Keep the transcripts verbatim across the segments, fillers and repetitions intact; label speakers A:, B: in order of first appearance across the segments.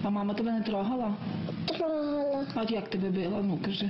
A: А мама тебе не трогала?
B: Трогала.
A: А як тебе била? Ну, кажи.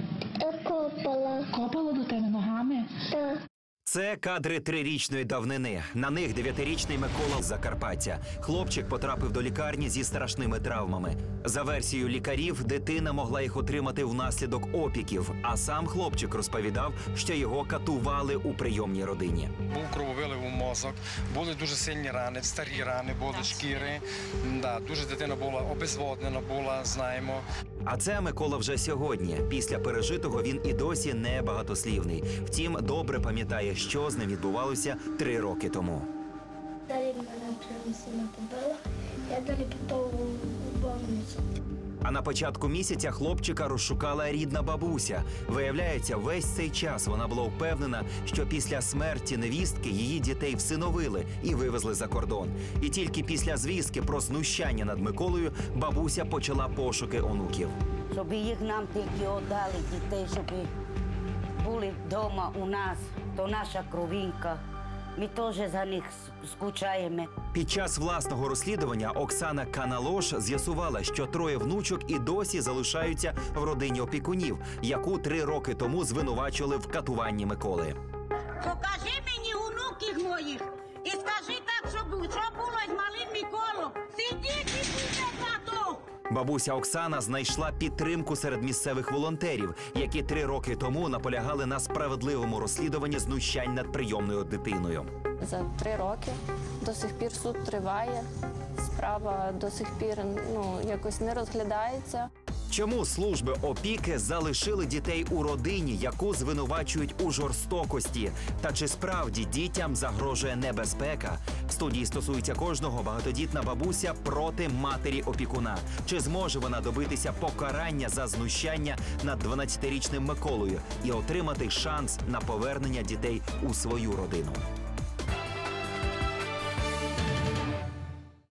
B: Копала.
A: Копала до тебе ногами?
B: Так.
C: Це кадри трирічної давнини. На них дев'ятирічний Микола з Закарпаття. Хлопчик потрапив до лікарні зі страшними травмами. За версією лікарів, дитина могла їх отримати внаслідок опіків, а сам хлопчик розповідав, що його катували у прийомній родині.
D: Був крововилив у мозок, були дуже сильні рани, старі рани, були шкіри. Да, дуже дитина була обезводнена, була, знаємо.
C: А це Микола вже сьогодні. Після пережитого він і досі не багатослівний. Втім, добре пам'ятає, що з ним відбувалося три роки тому.
B: Далі мене прямо сильно побила, я далі попав у больницю.
C: А на початку місяця хлопчика розшукала рідна бабуся. Виявляється, весь цей час вона була впевнена, що після смерті невістки її дітей всиновили і вивезли за кордон. І тільки після звістки про знущання над Миколою бабуся почала пошуки онуків.
E: Щоб їх нам тільки віддали, дітей, щоб були вдома у нас, то наша кровинка. Ми теж за них скучаємо.
C: Під час власного розслідування Оксана Каналош з'ясувала, що троє внучок і досі залишаються в родині опікунів, яку три роки тому звинувачували в катуванні Миколи.
F: Покажи мені онуків моїх і скажи так, що було з малим Миколом. Сидіть і будьте тато!
C: Бабуся Оксана знайшла підтримку серед місцевих волонтерів, які три роки тому наполягали на справедливому розслідуванні знущань над прийомною дитиною.
G: За три роки до сих пір суд триває, справа до сих пір ну, якось не розглядається.
C: Чому служби опіки залишили дітей у родині, яку звинувачують у жорстокості? Та чи справді дітям загрожує небезпека? В студії стосується кожного багатодітна бабуся проти матері опікуна. Чи зможе вона добитися покарання за знущання над дванадцятирічним Миколою і отримати шанс на повернення дітей у свою родину?